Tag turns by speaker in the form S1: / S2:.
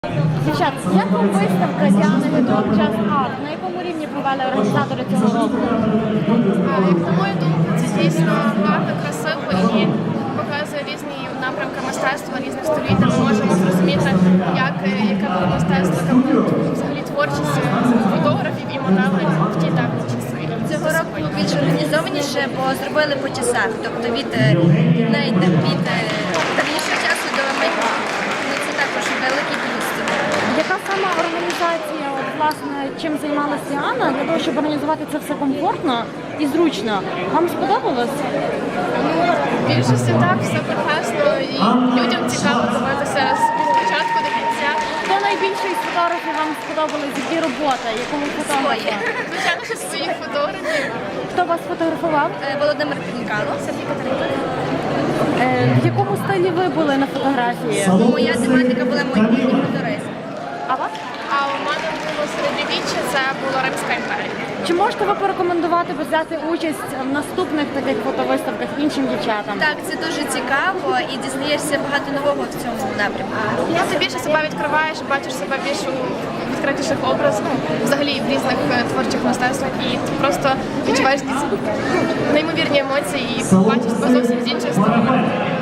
S1: Дівчат, як вам виставка Діани Гедок Just Art? На якому рівні провели організатори цього року?
S2: Як на мою думку, це дійсно гарно, красиво і показує різні напрямки мистецтва, різних століть, де ми можемо зрозуміти, яке було мистецтво, яка була взагалі творчість фотографів і моделей в ті давні часи.
S3: Цього року більш організованіше, бо зробили по часах, тобто від давнішого часу до майбутнього. Це також великий плюс.
S1: Яка саме організація, от, власне, чим займалася Діана, для того, щоб організувати це все комфортно і зручно? Вам сподобалось?
S2: В більшості так, все прекрасно і людям цікаво дивитися з початку до кінця.
S1: Хто найбільше із фотографів вам сподобались? Які роботи? Якому фотографа?
S2: Звичайно, що своїх фотографів.
S1: Хто вас фотографував?
S3: Володимир Пінкало.
S1: В якому стилі ви були на фотографії?
S3: Моя тематика була майбутній футуризм.
S1: А вас?
S2: А у мене було середньовіччя, це була Римська імперія.
S1: Чи можете ви порекомендувати взяти участь в наступних таких фотовиставках іншим дівчатам?
S3: Так, це дуже цікаво і дізнаєшся багато нового в цьому напрямку.
S2: Ти більше себе відкриваєш, бачиш себе більш у відкритіших образах, взагалі в різних творчих мистецтвах, і ти просто відчуваєш якісь неймовірні емоції і бачиш себе зовсім з іншої сторони.